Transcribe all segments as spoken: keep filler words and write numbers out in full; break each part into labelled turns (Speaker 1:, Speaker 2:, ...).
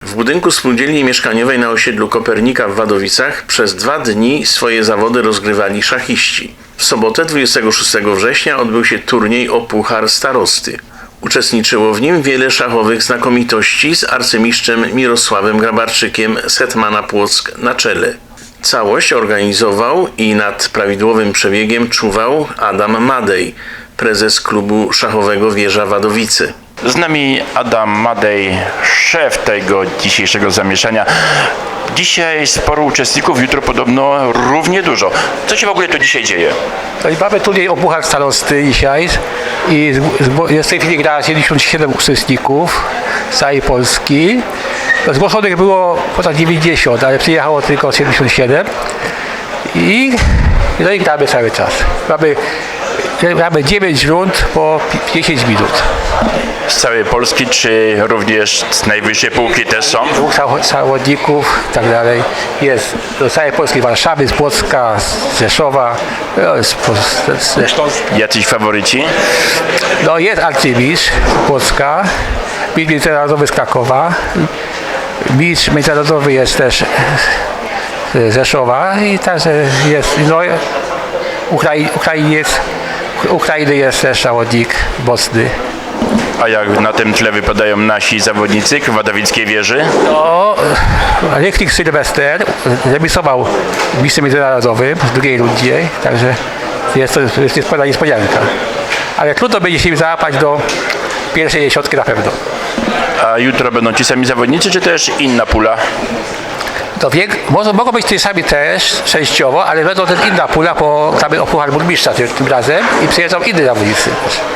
Speaker 1: W budynku spółdzielni mieszkaniowej na osiedlu Kopernika w Wadowicach przez dwa dni swoje zawody rozgrywali szachiści. W sobotę dwudziestego szóstego września odbył się turniej o Puchar Starosty. Uczestniczyło w nim wiele szachowych znakomitości z arcymistrzem Mirosławem Grabarczykiem z Hetmana Płock na czele. Całość organizował i nad prawidłowym przebiegiem czuwał Adam Madej, prezes klubu szachowego Wieża Wadowice.
Speaker 2: Z nami Adam Madej, szef tego dzisiejszego zamieszania. Dzisiaj sporo uczestników, jutro podobno równie dużo. Co się w ogóle tu dzisiaj dzieje?
Speaker 3: To mamy turniej o Puchar Starosty dzisiaj i jest w tej chwili gra siedemdziesiąt siedem uczestników z całej Polski. Zgłoszonych było ponad dziewięćdziesiąt, ale przyjechało tylko siedemdziesiąt siedem i, no i gramy cały czas. Mamy, mamy dziewięć rund po dziesięć minut.
Speaker 2: Z całej Polski, czy również z najwyższej półki też są?
Speaker 3: Dwóch zawodników i tak dalej. Jest do całej Polski, Warszawy, z Płocka, z Rzeszowa, no, z, z, z,
Speaker 2: Jacyś faworyci?
Speaker 3: no jest arcymistrz z Płocka, mistrz międzynarodowy z Krakowa, mistrz międzynarodowy jest też z Rzeszowa i także jest, no Ukrai, Ukrainiec, Ukrainy jest też zawodnik mocny.
Speaker 2: A jak na tym tle wypadają nasi zawodnicy w wadowickiej wieży?
Speaker 3: No, Rychlik Sylwester remisował mistrzem międzynarodowym w drugiej rundzie, także jest to jest pewna niespodzianka. Ale trudno będzie się im załapać do pierwszej dziesiątki na pewno.
Speaker 2: A jutro będą ci sami zawodnicy, czy też inna pula?
Speaker 3: To wiek, może, mogą być ci sami też częściowo, ale będą też inna pula, bo gramy o Puchar Burmistrza tym, tym razem i przyjeżdżą inni zawodnicy.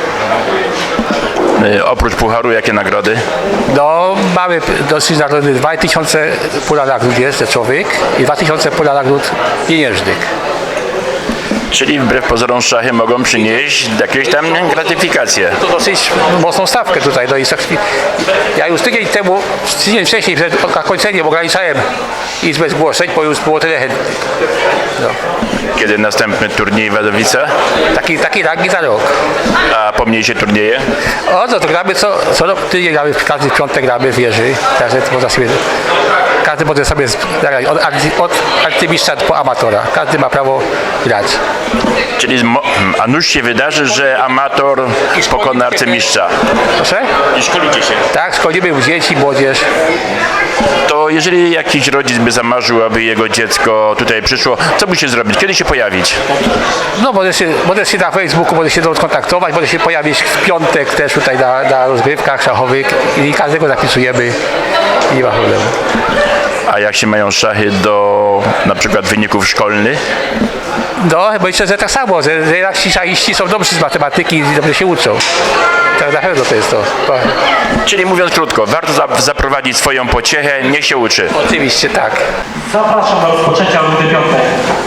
Speaker 2: Yy, oprócz pucharu, jakie nagrody?
Speaker 3: No, mamy dosyć nagrody dwa tysiące pula nagród jest rzeczowych i dwa tysiące pula nagród pieniężnych.
Speaker 2: Czyli wbrew pozorom szachy mogą przynieść jakieś tam gratyfikacje.
Speaker 3: To dosyć mocną stawkę tutaj. No i ja już tydzień temu, tydzień wcześniej przed zakończeniem ograniczałem izbę zgłoszeń, bo już było tyle chętnych. No.
Speaker 2: Kiedy następny turniej w Wadowicach?
Speaker 3: Taki, taki rangi za rok.
Speaker 2: A pomniejsze turnieje?
Speaker 3: O, no to gramy co, co rok, tydzień gramy, każdy piątek gramy w wieży, także można sobie, każdy może sobie zagrać od, od arcymistrza po amatora. Każdy ma prawo grać.
Speaker 2: Czyli a nuż się wydarzy, że amator pokona arcymistrza.
Speaker 3: Proszę?
Speaker 2: I szkolicie się.
Speaker 3: Tak, szkolimy dzieci, młodzież.
Speaker 2: To jeżeli jakiś rodzic by zamarzył, aby jego dziecko tutaj przyszło, co musi zrobić? Kiedy się pojawić?
Speaker 3: No może się, może się na Facebooku, może się skontaktować, może się pojawić w piątek też tutaj na, na rozgrywkach szachowych i każdego zapisujemy i nie ma problemu.
Speaker 2: A jak się mają szachy do na przykład wyników szkolnych?
Speaker 3: No, myślę, że tak samo, że, że nasi szachiści są dobrzy z matematyki i dobrze się uczą. Tak na pewno to jest to.
Speaker 2: Czyli mówiąc krótko, warto za, zaprowadzić swoją pociechę, niech się uczy.
Speaker 3: Oczywiście tak.
Speaker 4: Zapraszam do rozpoczęcia rundy piątej.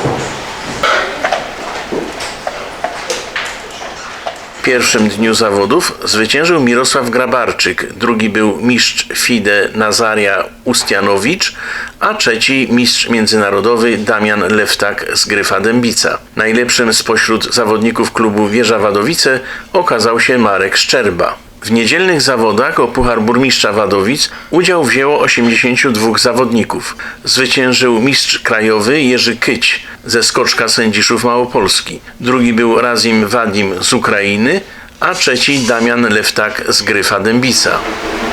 Speaker 1: W pierwszym dniu zawodów zwyciężył Mirosław Grabarczyk, drugi był mistrz FIDE Nazaria Ustianowicz, a trzeci mistrz międzynarodowy Damian Leftak z Gryfa Dębica. Najlepszym spośród zawodników klubu Wieża Wadowice okazał się Marek Szczerba. W niedzielnych zawodach o Puchar Burmistrza Wadowic udział wzięło osiemdziesięciu dwóch zawodników. Zwyciężył mistrz krajowy Jerzy Kyć ze Skoczka Sędziszów Małopolski. Drugi był Razim Wadim z Ukrainy, a trzeci Damian Leftak z Gryfa Dębica.